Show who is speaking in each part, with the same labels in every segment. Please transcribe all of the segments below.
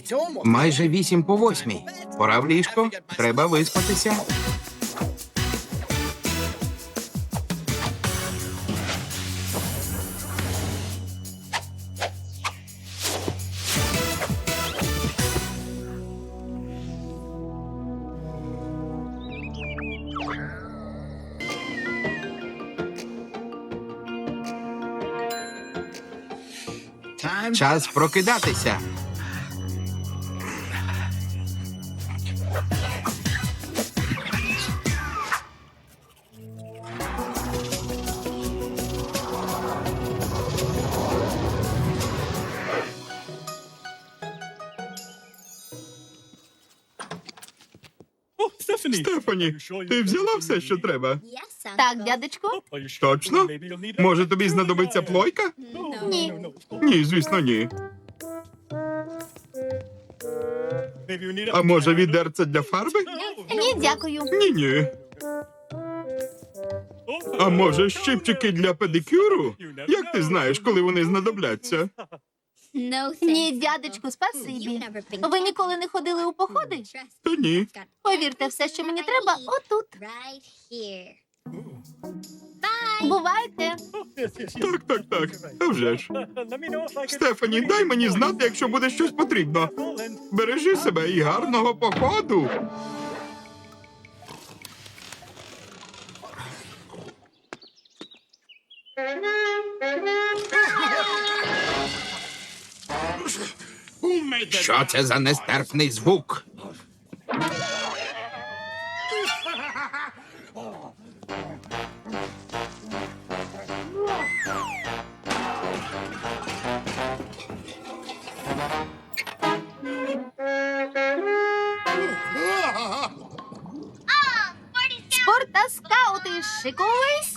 Speaker 1: Майже 8:08. Пора в ліжко. Треба виспатися. Час прокидатися. Стефані, ти взяла все, що треба?
Speaker 2: Так, дядечку?
Speaker 1: Точно? Може, тобі знадобиться плойка?
Speaker 2: Ні.
Speaker 1: Ні, звісно, ні. А може, відерце для фарби?
Speaker 2: Ні, дякую.
Speaker 1: Ні-ні. А може, щипчики для педикюру? Як ти знаєш, коли вони знадобляться?
Speaker 2: Ні, дядечку, спасибі. Ви ніколи не ходили у походи?
Speaker 1: Та ні.
Speaker 2: Повірте, все, що мені треба, отут. Бувайте.
Speaker 1: Так. А вже ж. Стефані, дай мені знати, якщо буде щось потрібно. Бережи себе і гарного походу. Що це за нестерпний звук?
Speaker 2: Спорта скаути, шикуйсь.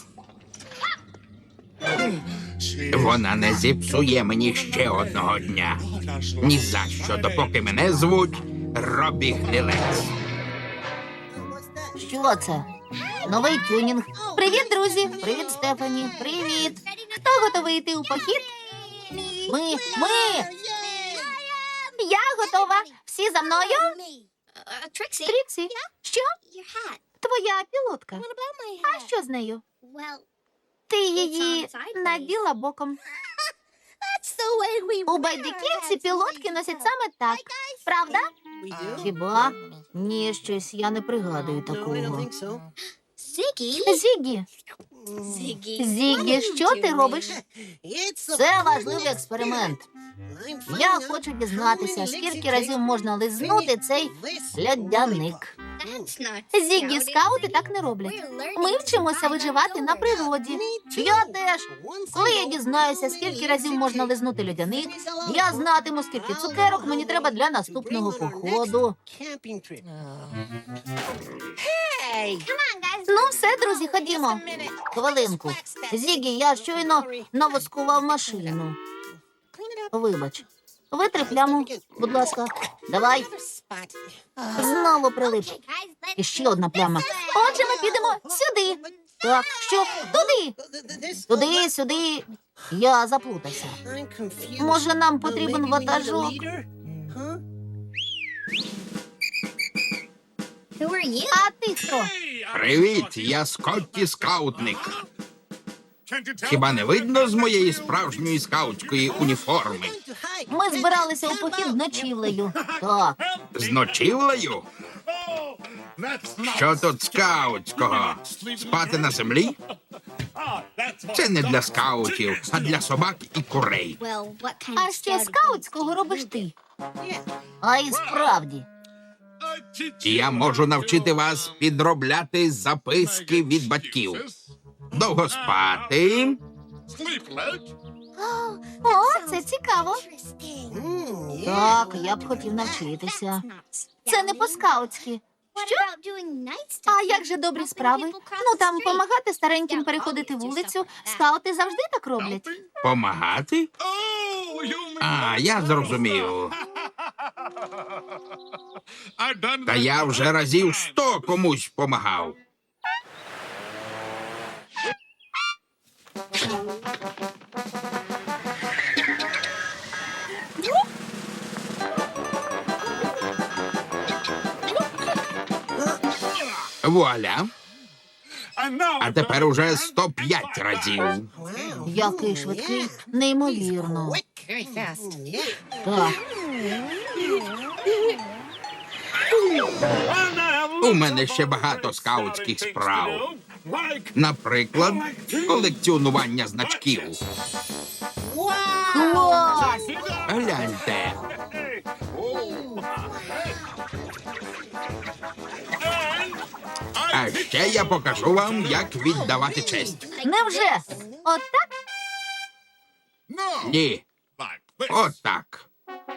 Speaker 1: Вона не зіпсує мені ще одного дня. Ні за що, допоки мене звуть Робі Гнилець.
Speaker 2: Що це? Новий тюнінг. Привіт, друзі. Привіт, Стефані. Привіт. Хто готовий йти у похід? Ми. Я готова. Всі за мною? Тріксі, що? Твоя пілотка. А що з нею? Ти її наділа боком. У байдиківці пілотки носять саме так. Правда? Хіба? Ні, щось я не пригадую такого. Зігі. Зігі, що ти робиш? Це важливий експеримент. Я хочу дізнатися, скільки разів можна лизнути цей льодяник. Зігі, скаути так не роблять. Ми вчимося виживати на природі. Я теж. Коли я дізнаюся, скільки разів можна лизнути льодяник, я знатиму, скільки цукерок мені треба для наступного походу. Ну все, друзі, ходімо. Хвилинку. Зігі, я щойно навоскував машину. Вибач. Витри пляму, будь ласка. Давай. Знову прилип. І ще одна пляма. Отже, ми підемо сюди. Так, що? Туди. Сюди. Я заплутався. Може, нам потрібен ватажок? А ти хто?
Speaker 1: Привіт, я Скотті Скаутник. Хіба не видно з моєї справжньої скаутської уніформи?
Speaker 2: Ми збиралися у похід з ночівлею. Так.
Speaker 1: З ночівлею? Що тут скаутського? Спати на землі? Це не для скаутів, а для собак і курей.
Speaker 2: А ще скаутського робиш ти. А і справді.
Speaker 1: Я можу навчити вас підробляти записки від батьків. Довго спати.
Speaker 2: О, це цікаво. Так, я б хотів навчитися. Це не по-скаутськи. Що? А як же добрі справи? Ну, там помагати стареньким переходити вулицю. Скаути завжди так роблять.
Speaker 1: Помагати? А, я зрозумів. Та я вже разів 100 комусь помагав. Вуаля. А тепер уже 105 разів.
Speaker 2: Який швидкий, неймовірно. Так,
Speaker 1: У мене ще багато скаутських справ. Наприклад, колекціонування значків.
Speaker 2: клас!
Speaker 1: Гляньте. А ще я покажу вам, як віддавати честь.
Speaker 2: Невже? Отак?
Speaker 1: Ні. Отак.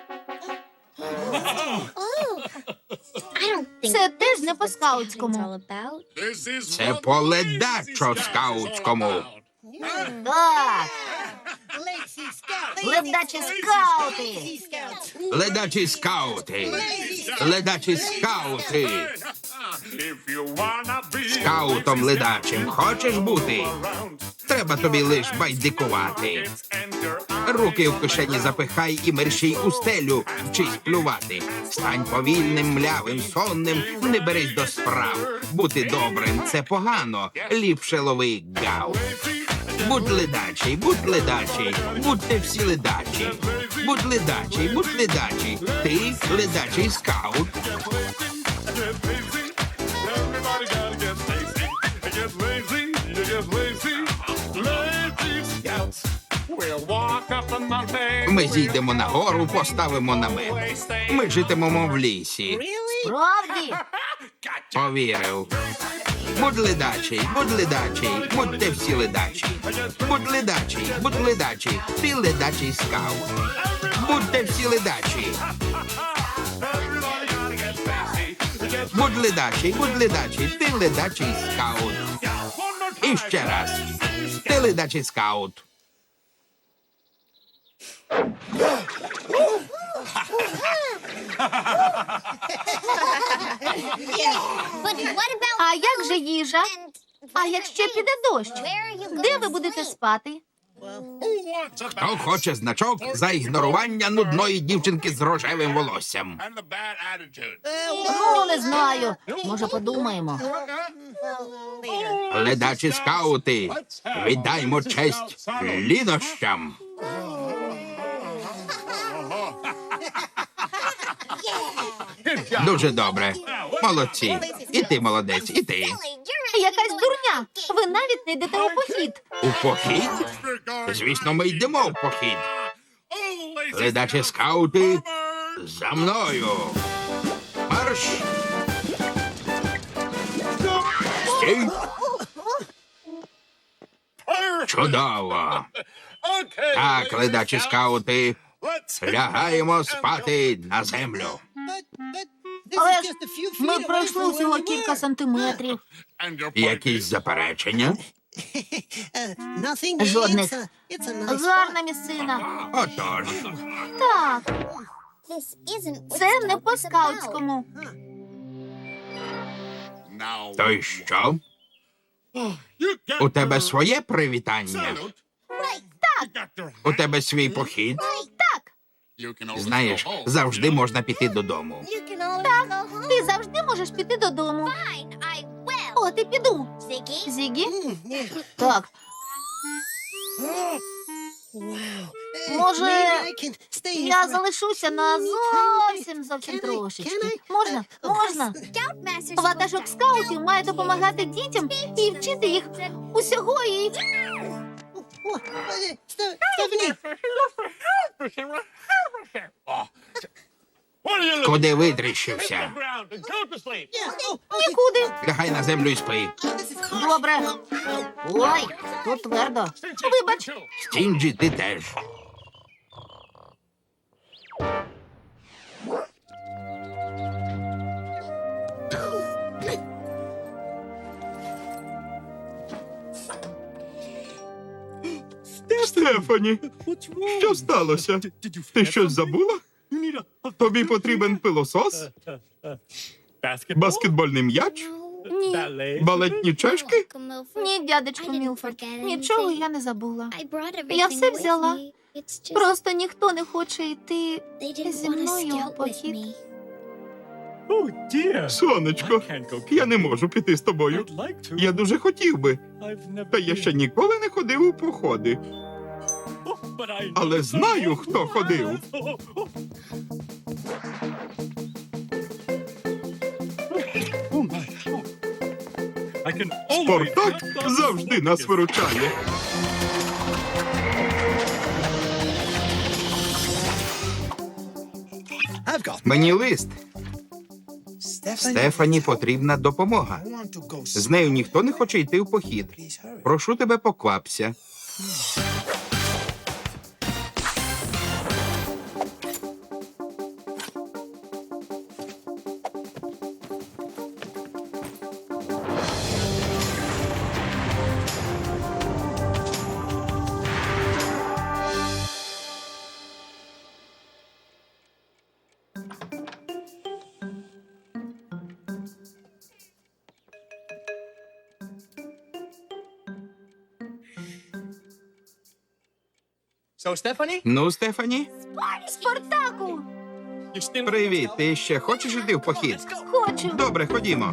Speaker 2: Це теж не по-скаутському.
Speaker 1: Це по ледачо-скаутському.
Speaker 2: Так, ледачі скаути.
Speaker 1: Ледачі скаути. Ледачі скаути. Скаутом ледачим хочеш бути? Треба тобі лиш байдикувати. Руки в кишені запихай і мерщій у стелю, вчись плювати. Стань повільним, млявим, сонним, не берись до справ. Бути добрим — це погано, ліпше лови гав. Будь ледачий, будьте всі ледачі. Будь ледачий, ти ледачий скаут. Ми зійдемо на гору, поставимо намет. Ми житимемо в лісі.
Speaker 2: Справді?
Speaker 1: Повірив. Будь ледачий, будьте всі ледачі. Будь ледачий, ти ледачий скаут. Будьте всі ледачі. Будь ледачий, ти ледачий скаут. І ще раз. Ти ледачий скаут.
Speaker 2: А як же їжа? А якщо піде дощ? Де ви будете спати?
Speaker 1: Хто хоче значок за ігнорування нудної дівчинки з рожевим волоссям?
Speaker 2: Ну, не знаю. Може, подумаємо.
Speaker 1: Ледачі скаути, віддаймо честь лінощам. Дуже добре. Молодці. І ти молодець, і ти.
Speaker 2: Якась дурня. Ви навіть не йдете у похід.
Speaker 1: У похід? Звісно, ми йдемо в похід. Ледачі скаути, за мною. Марш! Стій! Чудово! Так, ледачі скаути, лягаємо спати на землю.
Speaker 2: Але ж ми пройшли всього кілька сантиметрів.
Speaker 1: Якісь заперечення?
Speaker 2: Жодних. Гарна місцина.
Speaker 1: Отож,
Speaker 2: Так, це не по-скаутському.
Speaker 1: то й що? У тебе своє привітання? У тебе свій похід?
Speaker 2: Так,
Speaker 1: Знаєш, завжди можна піти додому.
Speaker 2: ти завжди можеш піти додому. От і піду. Зігі? Так. Може, я залишуся на зовсім трошечки. Можна? Можна. Ватажок скаутів має допомагати дітям і вчити їх усього і...
Speaker 1: Куди витріщився?
Speaker 2: Нікуди.
Speaker 1: Лягай на землю і спи.
Speaker 2: Добре. Ой, тут твердо. Вибач.
Speaker 1: Стінджі, ти теж. Стефані, що сталося? Ти щось забула? Тобі потрібен пилосос? Баскетбольний м'яч?
Speaker 2: Ні.
Speaker 1: Балетні чашки?
Speaker 2: Ні, дядечко Мілфорд. Нічого я не забула. Я все взяла. Просто ніхто не хоче йти зі мною у похід.
Speaker 1: Сонечко, я не можу піти з тобою. Я дуже хотів би, та я ще ніколи не ходив у походи. Але знаю, хто ходив. Спартак завжди нас виручає. Мені лист. Стефані потрібна допомога. З нею ніхто не хоче йти в похід. Прошу тебе, поквапся. Ну, Стефані?
Speaker 2: Спартаку!
Speaker 1: Привіт, ти ще хочеш йти в похід?
Speaker 2: Хочу.
Speaker 1: Добре, ходімо.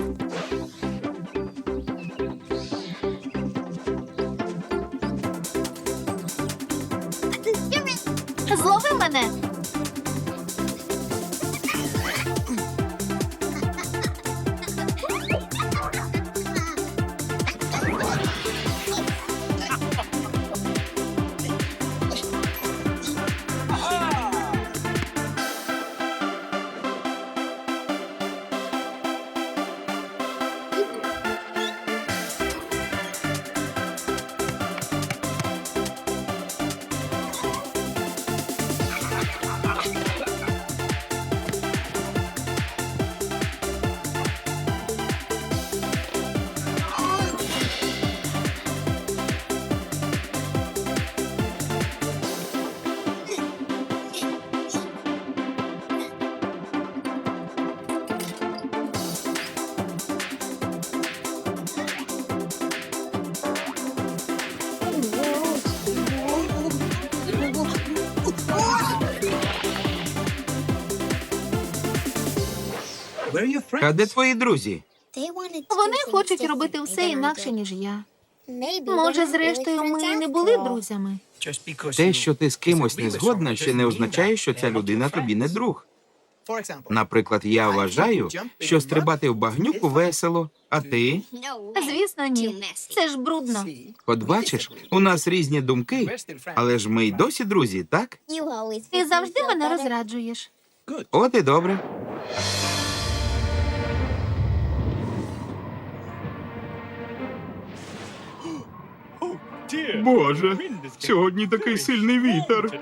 Speaker 2: Злови мене.
Speaker 1: А де твої друзі?
Speaker 2: Вони хочуть робити все інакше, ніж я. Може, зрештою, ми і не були друзями.
Speaker 1: Те, що ти з кимось не згодна, ще не означає, що ця людина тобі не друг. Наприклад, я вважаю, що стрибати в багнюку весело, а ти?
Speaker 2: Звісно, ні. Це ж брудно.
Speaker 1: От бачиш, у нас різні думки, але ж ми й досі друзі, так?
Speaker 2: Ти завжди мене розраджуєш.
Speaker 1: От і добре. Боже, сьогодні такий сильний вітер.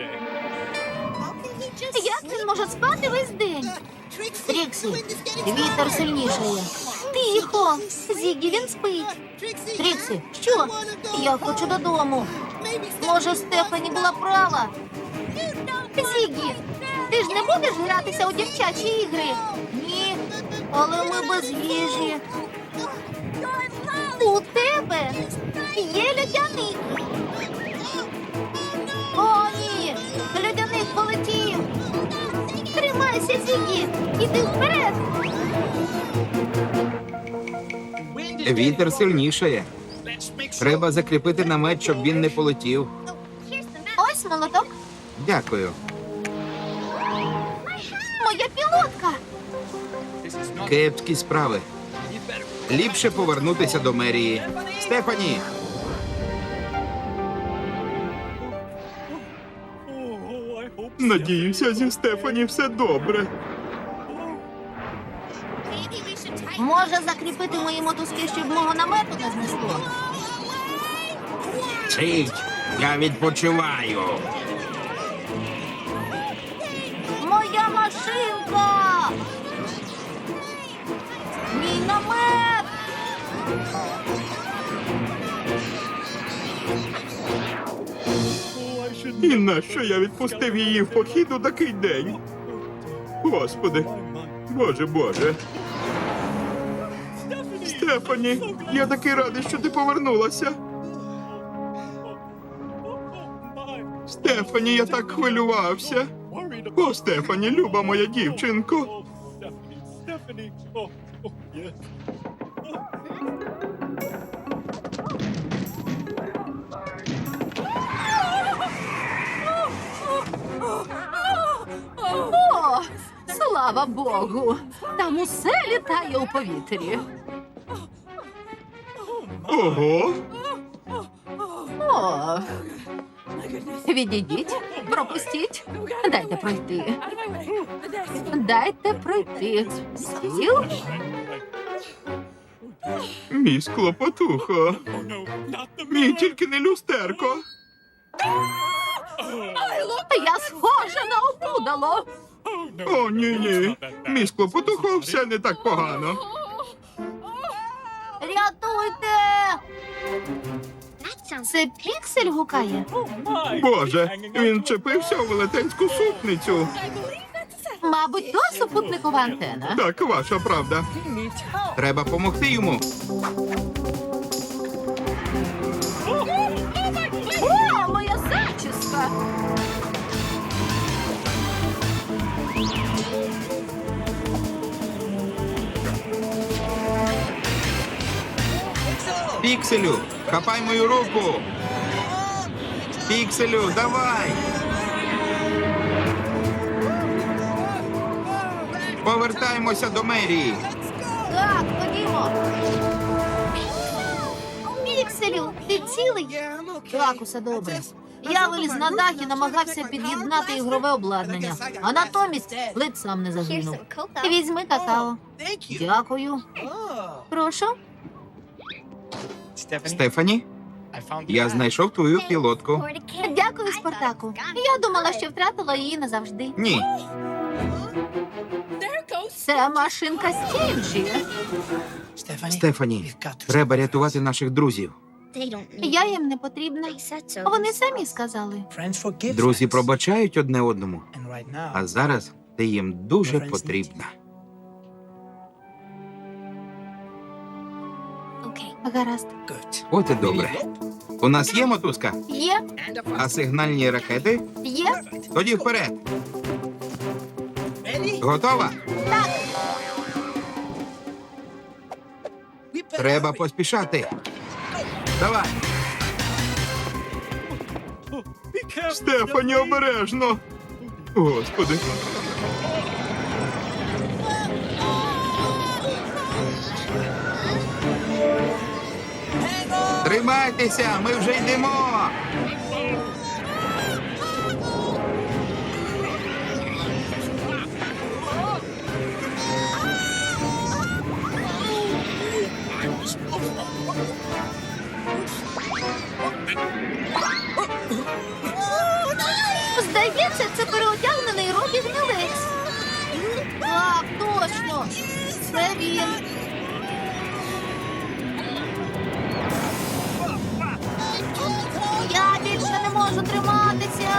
Speaker 2: Як він може спати весь день? Тріксі, вітер сильнішає. Тихо! Зігі, він спить. Тріксі, що? Я хочу додому. Може, Стефані була права? Зігі, ти ж не будеш гратися у дівчачі ігри? Ні, але ми без їжі. У тебе є льодяник. О, ні! Льодяник полетів! Тримайся, Зігі! Іди вперед!
Speaker 1: Вітер сильнішає. Треба закріпити намет, щоб він не полетів.
Speaker 2: Ось молоток.
Speaker 1: Дякую.
Speaker 2: Моя пілотка.
Speaker 1: Кепські справи. Ліпше повернутися до мерії. Стефані! Надіюся, зі Стефані все добре.
Speaker 2: Може закріпити мої мотузки, щоб мого намету не знесло?
Speaker 1: Цить, я відпочиваю.
Speaker 2: Моя машинка! Мій намет!
Speaker 1: І нащо я відпустив її в похід у такий день? Господи, Боже, Боже. Стефані, я такий радий, що ти повернулася. Стефані, я так хвилювався. О, Стефані, люба моя дівчинко.
Speaker 3: О, слава Богу! Там усе літає у повітрі.
Speaker 1: Ого!
Speaker 3: О, відійдіть, пропустіть. Дайте пройти. Дайте пройти. Стіл?
Speaker 1: Мій склопотухо. Мій тільки не люстерко.
Speaker 3: Я схожа на опудало.
Speaker 1: О, ні-ні. Мій склопотухо все не так погано.
Speaker 2: Рятуйте! Це Піксель гукає.
Speaker 1: Боже, він вчепився у велетенську супницю.
Speaker 3: Мабуть, то супутникова антена.
Speaker 1: Так, ваша правда. Треба помогти йому.
Speaker 3: О, моя зачіска!
Speaker 1: Пікселю, хапай мою руку. Пікселю, давай. Повертаємося до мерії.
Speaker 2: Так, ходімо. Пікселю, ти цілий? Так, усе добре. Я виліз на дах і намагався під'єднати ігрове обладнання, а натомість ледь сам не загинув. Візьми какао. Дякую. Прошу.
Speaker 1: Стефані, я знайшов твою пілотку.
Speaker 2: Дякую, Спартаку. Я думала, що втратила її назавжди.
Speaker 1: Ні,
Speaker 3: Це машинка Стінджі.
Speaker 1: Стефані, треба рятувати наших друзів.
Speaker 2: Я їм не потрібна. Вони самі сказали.
Speaker 1: Друзі пробачають одне одному, а зараз ти їм дуже потрібна.
Speaker 2: Гаразд.
Speaker 1: От і добре. У нас є мотузка,
Speaker 2: Є?
Speaker 1: а сигнальні ракети?
Speaker 2: Є?
Speaker 1: Тоді вперед. Готова? Треба поспішати. Давай. Стефані, обережно. Господи. Тримайтеся, ми вже йдемо.
Speaker 2: Здається, це переодягнений Робі Гнилець. Так, точно. Це він. Я більше не можу триматися.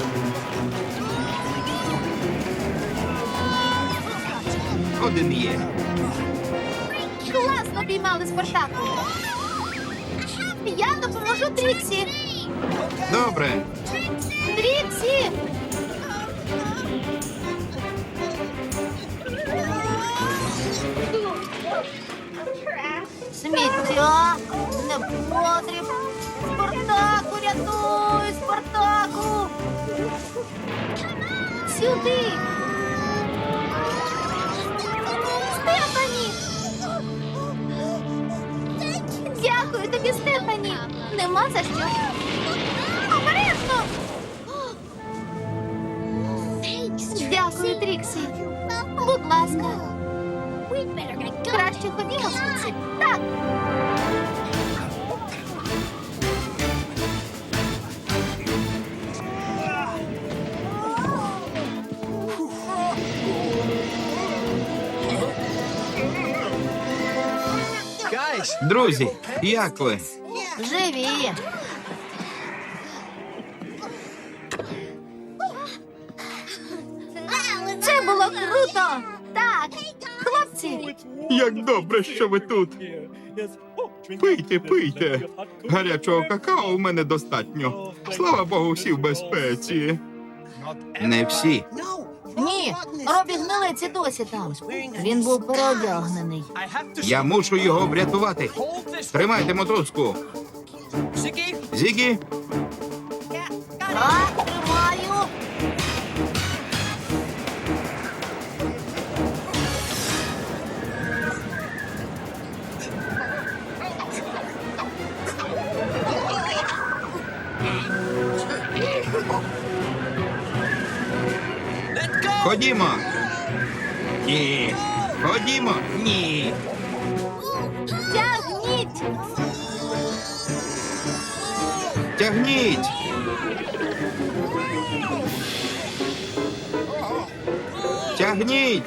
Speaker 1: Один є.
Speaker 2: Класно піймали Спартаку. Я допоможу Тріксі.
Speaker 1: Добре.
Speaker 2: Тріксі! Сміття, непотріб. Спартаку, рятуй, Спартаку! Сюди! Стефані! Дякую тобі, Стефані! Нема за що. Обережно! Дякую, Тріксі. Будь ласка. Краще ходімо звідси. Так.
Speaker 1: Друзі, як ви?
Speaker 2: Живі. Це було круто. Так, хлопці.
Speaker 1: Як добре, що ви тут. Пийте, пийте. Гарячого какао у мене достатньо. Слава Богу, всі в безпеці. Не всі.
Speaker 2: Ні, Робі гнилець і досі там. Він був переодягнений.
Speaker 1: Я мушу його врятувати. Тримайте мотузку. Зігі,
Speaker 2: Так, тримаю.
Speaker 1: ходімо. Ні. Ходімо. Ні.
Speaker 2: Тягніть.
Speaker 1: Тягніть. Тягніть.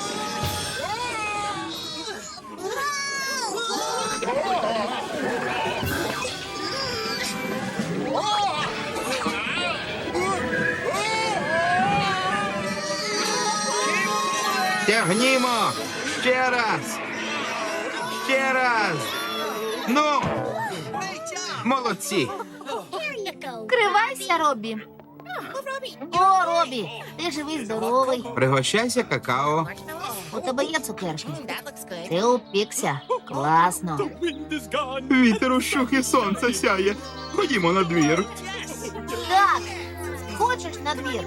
Speaker 1: Тягнімо. Ще раз. Ще раз. Ну. Молодці.
Speaker 2: Кривайся, Робі. О, Робі, ти живий, здоровий.
Speaker 1: Пригощайся какао.
Speaker 2: У тебе є цукерки. Ти упікся. Класно.
Speaker 1: Вітер ущух і сонце сяє. Ходімо на двір.
Speaker 2: Так, хочеш на двір?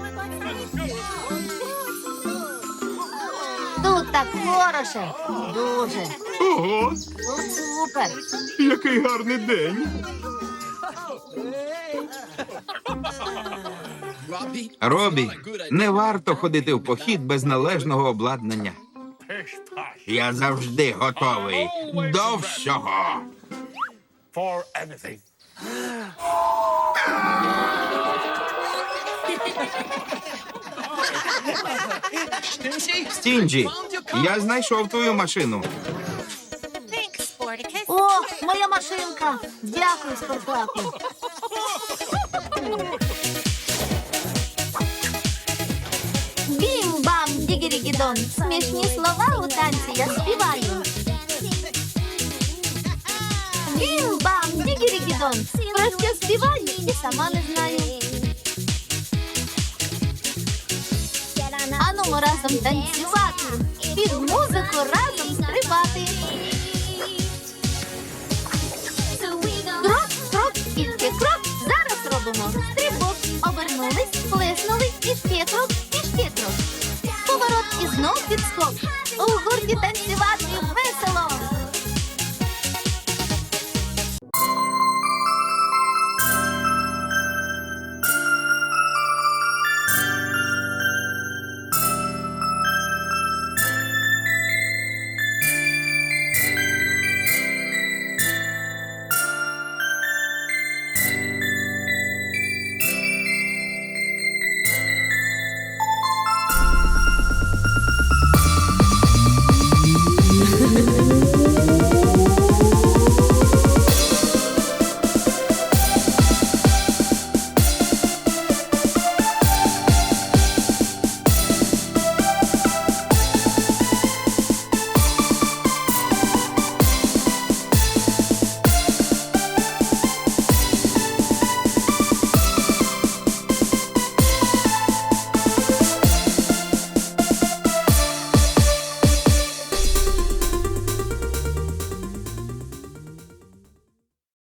Speaker 2: Тут так хороше. Дуже.
Speaker 1: Ого,
Speaker 2: Тут супер.
Speaker 1: який гарний день. Робі, не варто ходити в похід без належного обладнання. Я завжди готовий до всього.
Speaker 4: For anything.
Speaker 1: Стінджі, я знайшов твою машину.
Speaker 2: О, моя машинка. Дякую, Спартаку. Бім-бам, дігірі-гідон. Смішні слова у танці я співаю. Бім-бам, дігірі-гідон. Про що співаю і сама не знаю. Ану, ми разом танцювати. Під музику разом стрибати. Крок, крок, і ще крок. Зараз робимо стрибок. Обернулись, плеснули, і ще крок, і ще крок. Поворот і знов підскок. У гурті танцювати.